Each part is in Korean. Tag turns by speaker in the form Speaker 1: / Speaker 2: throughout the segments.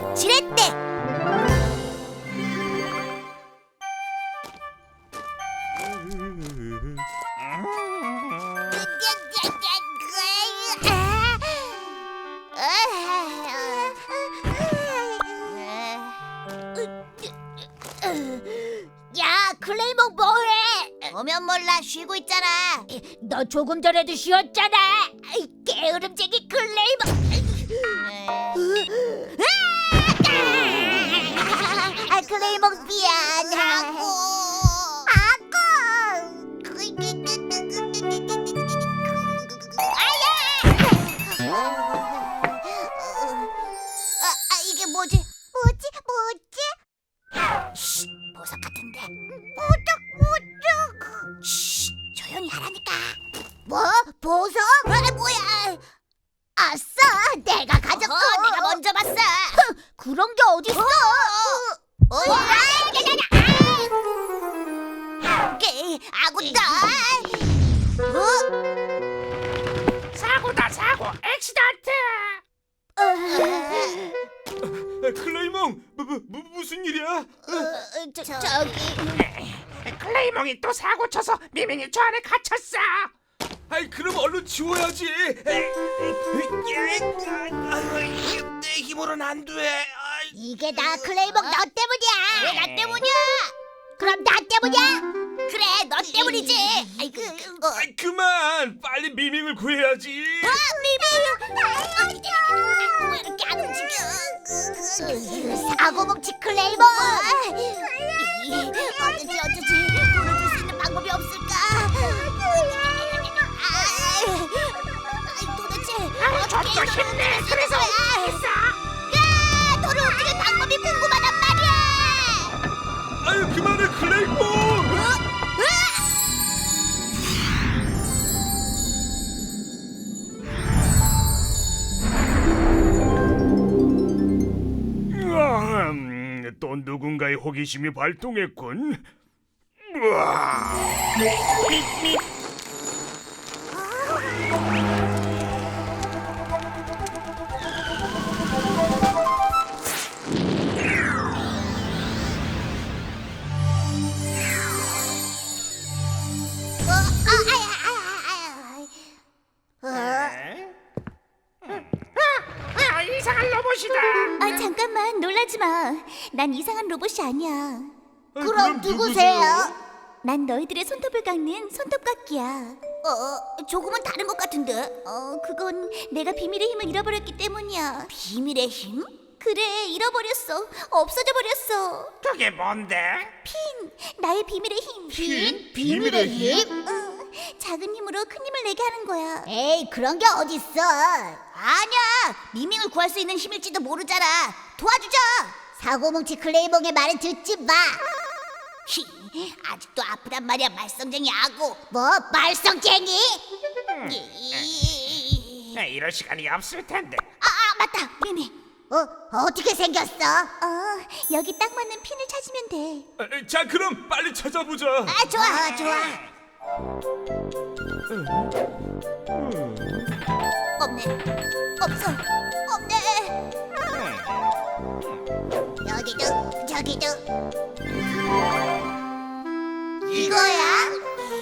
Speaker 1: 지렛대. 야, 클레이몽 뭐해? 오면 몰라, 쉬고 있잖아. 너 조금 전에도 쉬었잖아. 게으름쟁이 클레이몽. 클레이몽 미안하고. 이게 뭐지? 쉿, 보석 같은데. 보석. 쉿, 조용히 하라니까. 뭐? 보석? 뭐야? 아싸, 내가 가졌어. 내가 먼저 봤어. 그런 게 어딨어? 아군다.
Speaker 2: 사고 액시던트.
Speaker 3: 클레이몽, 무슨 일이야?
Speaker 1: 저기.
Speaker 2: 클레이몽이 또 사고 쳐서 미민이 저 안에 갇혔어.
Speaker 3: 아이, 그럼 얼른 지워야지. 내 힘으로는 안 돼.
Speaker 1: 이게 다 클레이몽 너 때문이야. 왜 나 때문이야? 그럼 나 때문이야? 그래, 너 때문이지. 아이고.
Speaker 3: 그만, 빨리 미밍을 구해야지.
Speaker 1: 미미. 왜 이렇게 안 움직여? 사고뭉치 클레이몽. 어쩌지? 돌아줄 수 있는 방법이 없을까? 도대체
Speaker 2: 좀더 힘내. 그래서
Speaker 1: 있어. 야, 너를 움직일 방법이 궁금하단 말이야.
Speaker 3: 아유, 그만해, 클레이몽. 또 누군가의 호기심이 발동했군. 우와.
Speaker 2: 이상한 로봇이다.
Speaker 1: 잠깐만, 놀라지 마. 난 이상한 로봇이 아니야.
Speaker 3: 그럼 누구세요?
Speaker 1: 난 너희들의 손톱을 깎는 손톱깎이야. 조금은 다른 것 같은데? 그건 내가 비밀의 힘을 잃어버렸기 때문이야. 비밀의 힘? 그래, 잃어버렸어. 없어져 버렸어.
Speaker 2: 그게 뭔데?
Speaker 1: 핀, 나의 비밀의 힘.
Speaker 3: 핀? 비밀의 힘?
Speaker 1: 작은 힘으로 큰 힘을 내게 하는 거야. 에이, 그런 게 어딨어. 아니야, 미밍을 구할 수 있는 힘일지도 모르잖아. 도와주자. 사고뭉치 클레이몽의 말은 듣지 마. 아직도 아프단 말이야, 말썽쟁이 아고. 뭐, 말썽쟁이?
Speaker 2: 이럴 시간이 없을 텐데.
Speaker 1: 맞다, 미미. 어떻게 생겼어? 여기 딱 맞는 핀을 찾으면 돼.
Speaker 3: 자, 그럼 빨리 찾아보자.
Speaker 1: 좋아. 없네. 없어. 없네. 여기도, 저기도. 이거야?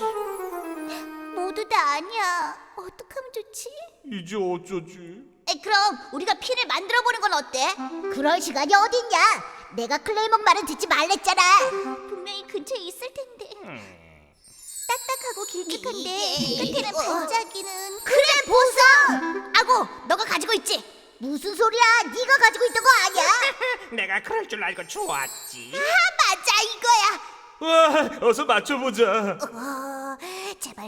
Speaker 1: 모두 다 아니야. 어떡하면 좋지?
Speaker 3: 이제 어쩌지?
Speaker 1: 그럼 우리가 핀을 만들어 보는 건 어때? 그럴 시간이 어딨냐? 내가 클레이몽 말은 듣지 말랬잖아. 분명히 근처에 있을 텐데. 딱딱하고 길쭉한데 끝에는 반짝이는. 그래, 보석! 아고, 너가 가지고 있지? 무슨 소리야? 네가 가지고 있던 거 아니야?
Speaker 2: 내가 그럴 줄 알고 좋았지.
Speaker 1: 맞아, 이거야.
Speaker 3: 와, 어서 맞춰보자.
Speaker 1: 제발.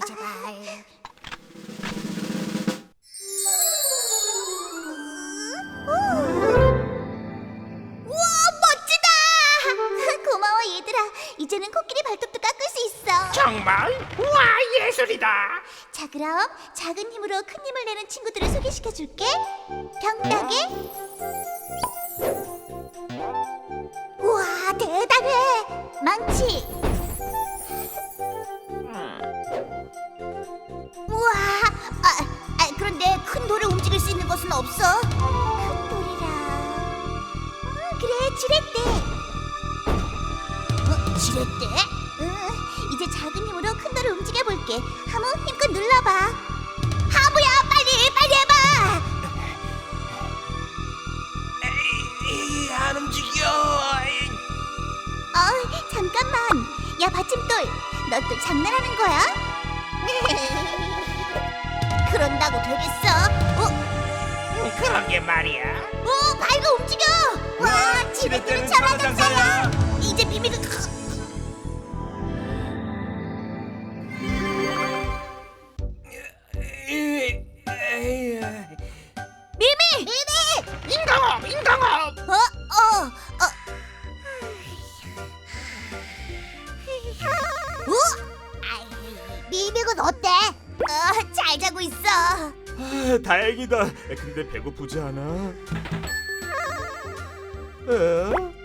Speaker 1: 우와, 멋지다. 고마워, 얘들아. 이제는 코끼리 발톱도 깎을 수 있어.
Speaker 2: 정말? 우와, 예술이다.
Speaker 1: 자, 그럼 작은 힘으로 큰 힘을 내는 친구들을 소개시켜줄게. 병따개. 우와, 대단해. 망치. 우와. 그런데 큰 돌을 움직일 수 있는 것은 없어. 큰 돌이라. 지렛대. 지렛대? 응. 이제 작은 힘으로 큰 돌을 움직여 볼게. 하무 힘껏 눌러봐. 하무야, 빨리 해봐.
Speaker 2: 안 움직여.
Speaker 1: 잠깐만. 야, 받침돌. 너 또 장난하는 거야? 그런다고 되겠어?
Speaker 2: 그러게 말이야.
Speaker 1: 발가 움직여. 와, 지렛대는 천하장사야. 이제 미미가 미미.
Speaker 2: 인강업.
Speaker 1: 미미는 어때? 잘 자고 있어.
Speaker 3: 아, 다행이다. 근데 배고프지 않아? 에?